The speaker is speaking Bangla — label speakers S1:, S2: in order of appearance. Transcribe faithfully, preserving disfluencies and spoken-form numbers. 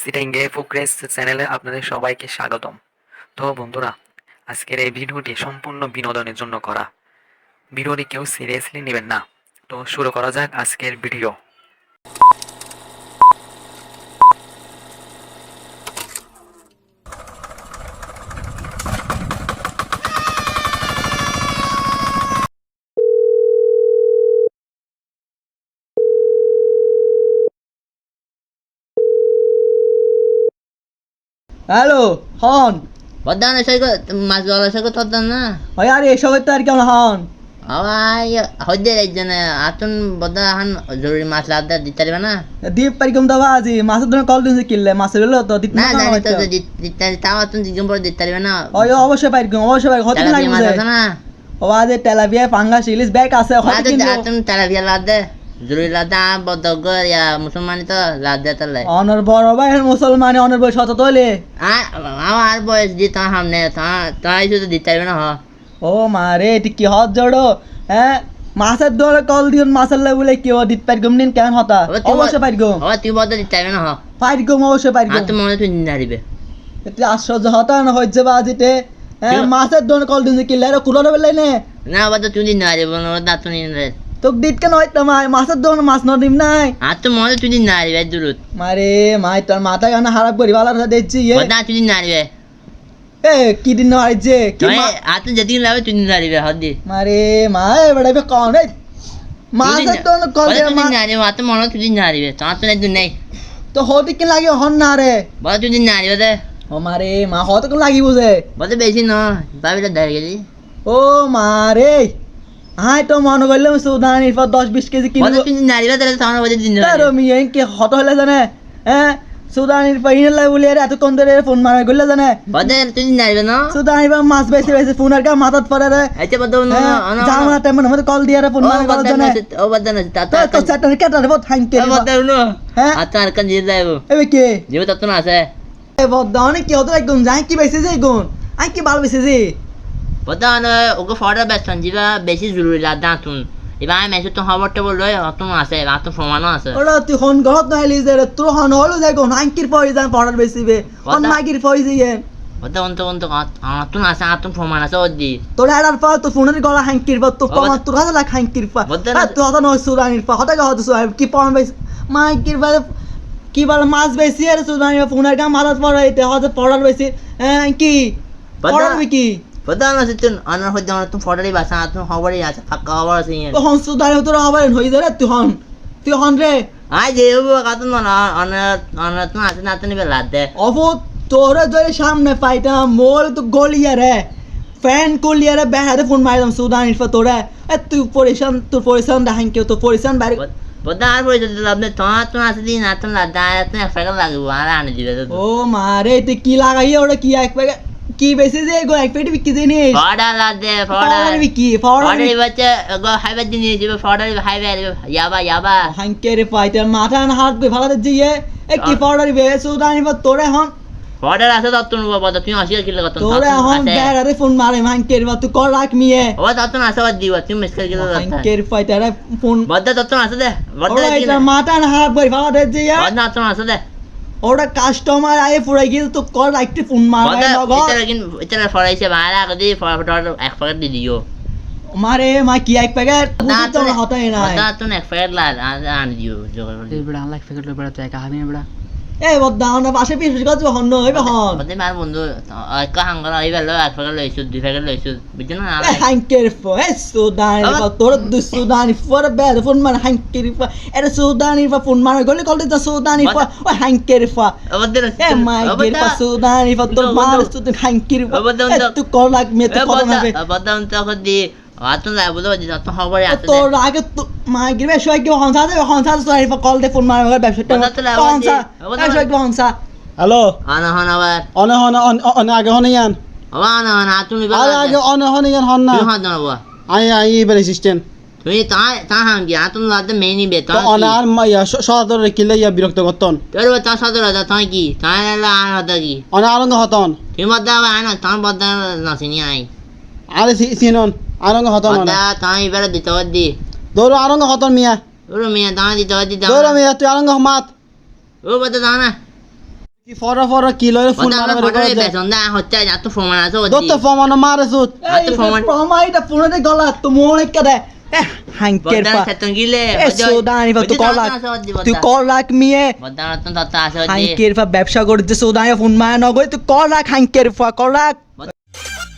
S1: সিটিংয়ে ফুকরেস চ্যানেলে আপনাদের সবাইকে স্বাগতম। তো বন্ধুরা, আজকের এই ভিডিওটি সম্পূর্ণ বিনোদনের জন্য করা। ভিডিওটি কেউ সিরিয়াসলি নেবেন না। তো শুরু করা যাক আজকের ভিডিও।
S2: হ্যালো হন
S3: Badan saya ko masuk saya ko todan na.
S2: ভাই আর এসবের তো আর কেমন হন
S3: Awai hodde ejana atun badahan jori masla da ditare bana.
S2: দীপ পারিকম দাবা আজি মাছের জন্য কল দিনছে কিনলে মাছের হলো তো দিত
S3: Na
S2: না
S3: jani to ditare tawa atun digum bor ditare bana.
S2: ওই অবশ্যই পারিকম অবশ্যই পারিকম হতে লাগবে
S3: Mas na.
S2: ও আজ তেলাপিয়া পাঙ্গাস ইলিশ ব্যাগ আছে হতে
S3: Ada
S2: কিনলো
S3: atun tara biar lade. Jori lada bodogor ya musulman itu lade tale.
S2: অনর বড় ভাই মুসলমান অনর বই শত তোলে
S3: Ah, awar boys di ta hamne ta ta isu ditare bana ha.
S2: ও মারে এটি কি হত জড়ো হ্যাঁ মাছের দরে কল দিন মাছের লাগে বলে কি ও দিত পারিকম নিন কেমন হতা অবশ্যই পারিকম
S3: Awa tu bodo ditare bana ha.
S2: পারিকম অবশ্যই পারিকম
S3: Atun mone tu naribe.
S2: এটি আশ্চর্য হতা না হইছে বাজিতে হ্যাঁ মাছের দরে কল দিনছে কিনলে আর কুলোরে বেলাই নে
S3: Na bodo tu naribe bono da tu naribe.
S2: তোক দিত কেন হইতা মাই মাছের দরে মাছ নদিম নাই
S3: Atun mone tu naribe durut.
S2: মারে মাই তোর মাথা গানা খারাপ করি ভালো কথা দেখছি এ
S3: Bodo tu naribe.
S2: এ কি দিন হইছে কি
S3: Toi
S2: মা-
S3: atun jadi lawe tu naribe hoddi.
S2: মারে মাই বড় বে কোন রে মাছের তো কল
S3: Bodo
S2: দে
S3: tu
S2: মা
S3: naribe atun mone tu naribe. Ta atun edu nei.
S2: তো হতে কি লাগে হন না রে
S3: Bodo tu naribe de.
S2: ও মারে মা হতে কোন লাগি বুঝে
S3: Bodo beshi no. Babi da dar gedi.
S2: ও মারে হাই তো মনে করলাম সুদানির পর দশ বিশ কেজি
S3: Bodo
S2: কিনবো
S3: tu naribe de ta bodo din
S2: তার
S3: naribe.
S2: মিয়ে কি হত হলে জানে হ্যাঁ সুদানির পর ইনে লাই বলে এত কোন ধরে ফোন মারা গলে জানে
S3: Bodo tu naribe no.
S2: সুদানির পর মাছ বেশি বেশি ফোন আর কা মাথাত পড়ে রে
S3: Ache bodo no. Ono.
S2: জামা টাইম মধ্যে কল দিয়ে রে ফোন
S3: Oh
S2: মারা গলে
S3: bodo
S2: জানে
S3: no. Oh bodo no. Ta
S2: তো
S3: ta.
S2: তো চাটার কেটার বহুত হাইতে
S3: Bodo no.
S2: হ্যাঁ
S3: Atun arkan jadi lawe.
S2: এবে কে
S3: Jibu tatun ase.
S2: এ বদ্দা অনেক কি হতো একদম যাই কি বেশি যে গুণ আই কি ভালো বেশি যে
S3: Bodo no. Ogo fora bestan jiba beshi jururi la datun. Iba ai mesu tu hawar te boloi atun ase. Atun formano ase.
S2: ওরা তুই হন গহত না হেলি যে তোর হন হলো যে গুণ আইকির পয়সা যান পড়ার বেশি বে হন
S3: বদ্দা-
S2: মাগির পয়সা ইয়ে
S3: Bodo untuk untuk atun ase atun formano ase oddi.
S2: তোর এডার পা তো ফোনের গলা হাঙ্কির পা তো
S3: ও
S2: কমা
S3: বদ-
S2: তোর হাতে লাখ হাঙ্কির পা
S3: বদ্দা
S2: আর
S3: না-
S2: তুই হতা নয় সুদানির পা হতা হতা সুদানির কি পম বেশি মাইকির পা কি বল মাছ বেশি আর সুদানির পা ফোনের গা মাথাত পড়া এতে হতা পড়ার বেশি হ্যাঁ কি
S3: বদ্দা-
S2: পড়ার কি
S3: Bodo no situn anar hoddi atun fodari basa atun hawari ase. Hakka hawar ase yen.
S2: ও হন সুদানির তোর আবার হই যায় রে তুই হন তুই হন রে
S3: Ai je bu katun no anar anar tun ase na tun be ladde.
S2: অবো তোর যদি সামনে পাইতা মোর তো গলিয়া রে ফ্যান কলিয়া রে বেহারে ফোন মারিলাম সুদানির পা তোরা এ তুই পরিশান তোর পরিশান দেখান কেউ তো পরিশান বাইরে
S3: Bodo ar boy jadi labne to atun ase din atun ladda atun ekfega lagu ara ane dibe.
S2: ও মারে তুই কি লাগাই ওটা কি এক প্যাকেট কি বেশি যে গো এক প্যাকেট বিক্রি জিনিস
S3: Foda ladde
S2: ফড়ার
S3: foda.
S2: বিক্রি ফড়ার
S3: Fodari bacha go haibe din jibe fodari haibe yaba yaba.
S2: হাঙ্কে রে পাইতে মাথা না হাত কই ফালাতে জিয়ে এ কি ফড়ার বে সুদানি পা তোরে হন
S3: Fodar ase tatun bodo tu asir kilo katun.
S2: তোরে হন বেহারে ফোন মারে হাঙ্কে রে তুই কর রাখ মিয়ে
S3: Oh tatun ase oddi wa tu meskal kilo tatun.
S2: হাঙ্কে রে পাইতে রে phone
S3: Bodo tatun ase de. Bodo
S2: ওরা এটা
S3: kilo.
S2: মাথা না হাত কই ফালাতে জিয়ে
S3: Bodo tatun ase de.
S2: ওরা কাস্টমার আয়ে পুরাই গিয়ে তো কর রাখতে ফোন মারে
S3: Bodo
S2: নগর
S3: itara kin itara forai se bala kadi fodar ekfega di dio.
S2: মারে মা কি এক প্যাকেট বুঝি তো হতাই নাই
S3: Bodo tatun ekfega la ane dio.
S4: বড়া আনলাইক ফেকেট লই বড়া তুই একা হাবি না বড়া
S2: এ বদ্দা না পাশে পিছু কাজ হন হইবে হন
S3: Bodo mar bundu ka hangara ibe lo ekfega lo isu di fega lo isu. Bijana
S2: এ
S3: ala.
S2: হাঙ্কের ফো এ সুদানি
S3: আবার-
S2: পা তোর দু সুদানি ফোর বেদ ফোন মানে হাঙ্কের ফা এটা সুদানি পা ফোন মানে গলি কল দিতা সুদানি ফা ও হাঙ্কের ফা
S3: Bodo
S2: এ মাই গের পা সুদানি ফা তোর
S3: Bodo-
S2: মার
S3: bodo-
S2: সুদানি হাঙ্কের ফা
S3: Bodo-
S2: এ
S3: bodo-
S2: তুই কল লাগ মে তো কল হবে
S3: Bodo untuk kadi atun la bodo di atun hawari ase de.
S2: তোর আগে তো মাই গের বে শয় কি হনসা দে হনসা সুদানি ফা কল দে ফোন মানে ব্যবসাটা
S3: বদ্দা তো লাগা
S2: হনসা
S3: দি- বদ্দা-
S2: এ শয় কি হনসা
S5: হ্যালো
S3: Ana hana war.
S5: অনে হনে অনে আগে হনে ইয়ান
S3: Awa ana hana atun ibe.
S5: আরে আগে অনে হনে ইয়ান হন না
S3: Tu hana wa.
S5: আই আই এবার assistant
S3: Tui ta ta hangi atun la de meni be ta.
S5: তো অনে আর মাইয়া সদর কিলে ইয়া বিরক্ত করতন
S3: Pero ta sadara da ta ki. Ta la ana da ki.
S5: অনে আরঙ্গ হতন
S3: Tu badda wa ana ta badda na sini ai.
S5: আরে সিনন আরঙ্গ হতন অনে
S3: Badda ta ibe di ta di.
S5: দৌড় আরঙ্গ হতন মিয়া
S3: Uru mi ta di ta di da.
S5: দৌড় মিয়া তুই আরঙ্গ মাত
S3: Uru badda ta na.
S5: কি ফর ফর কি লয় ফোন
S3: বদা
S5: মারা
S3: আমরা
S5: মারি
S3: ফটো
S5: করে
S3: বেসন দা হচ্ছে যা তো প্রমাণ আছে
S5: দত্ত
S3: ওদি
S5: ফমান মারে সুত
S3: আর তো প্রমাণ
S2: প্রমাইটা ফোনে গলা তো মনে কাদে হাঙ্কের
S3: বদা
S2: পা
S3: সেতন গিলে
S2: এ সুদানি পা তুই কল তুই কল রাখ মিয়ে
S3: বদা রতন তত আছে ওদি
S2: হাঙ্কের পা ব্যবসা করতে সুদানি ফোন মায়া নগই তুই কল রাখ হাঙ্কের পা কল রাখ